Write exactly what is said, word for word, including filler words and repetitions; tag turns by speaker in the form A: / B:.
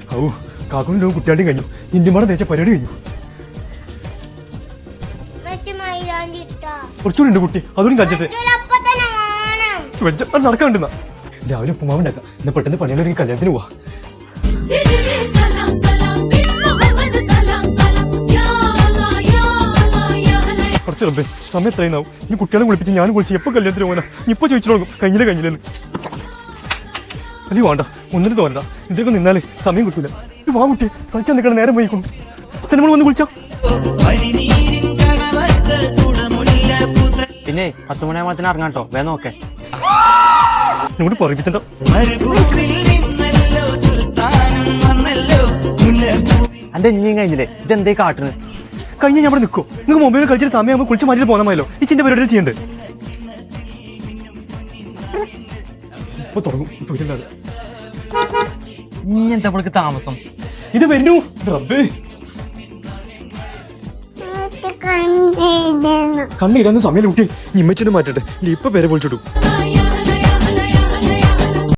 A: ഔ കാക്കുനും കുട്ടിയാണ്ടും കഴിഞ്ഞു. ഇന്ത്യമാടെ തേച്ച പരിപാടി കഴിഞ്ഞു. കുറച്ചുകൂടി ഉണ്ട് കുട്ടി, അതുകൂടി കഴിച്ചിട്ട് നടക്കാൻ വേണ്ടുന്ന രാവിലെ ഉപ്പുമാവുണ്ടാക്കാം. എന്നാ പെട്ടെന്ന് പണിയാലും കല്യാണത്തിന് പോവാ. കുറച്ച് റബ്ബേ, സമയം എത്രയുന്നാവും? ഇനി കുട്ടികളെ കുളിപ്പിച്ച് ഞാനും കുളിച്ച് എപ്പോൾ കല്യാണത്തിന് പോകാനാ? ഇപ്പൊ ചോദിച്ചു തുടങ്ങും കഴിഞ്ഞില്ല കഴിഞ്ഞില്ലെന്ന്. അല്ലേ വേണ്ട, ഒന്നിനും തോന്നണ്ട. ഇതിലൊക്കെ നിന്നാലേ സമയം കിട്ടൂല. വാ കുട്ടി, കളിച്ചാൽ നിൽക്കണ നേരം പോയിക്കും. സിനിമ വന്ന് കുളിച്ചാ
B: പിന്നെ പത്ത് മണിയാകുമ്പത്തിന് ഇറങ്ങാട്ടോ, വേഗം നോക്കേ.
A: ഇങ്ങോട്ട് പറയിപ്പിച്ചണ്ട.
B: എന്റെ ഇനിയും കഴിഞ്ഞില്ലേ, ഇതെന്തേ കാട്ടുന്നത്?
A: കഴിഞ്ഞ ഞാൻ ഇവിടെ നിൽക്കും. നിങ്ങൾക്ക് മൊബൈലിൽ കളിച്ചിട്ട് സമയമാകുമ്പോൾ കുളിച്ച് മാറ്റിട്ട് പോകാൻ മതിയല്ലോ. ഈ ചിന്റെ പരിപാടി ചെയ്യണ്ടേ? ഇപ്പൊ തുടങ്ങും തൊഴിലില്ലാതെ.
B: ഇനി എന്താ അവൾക്ക് താമസം?
A: ഇത് വരുന്നു റബ്ബേ. കണ്ണിരാന്ന് സമയം കുട്ടി ഇമ്മച്ചൊന്നും മാറ്റട്ടെ. ഇപ്പൊ പേരെ പൊളിച്ചിട്ടു.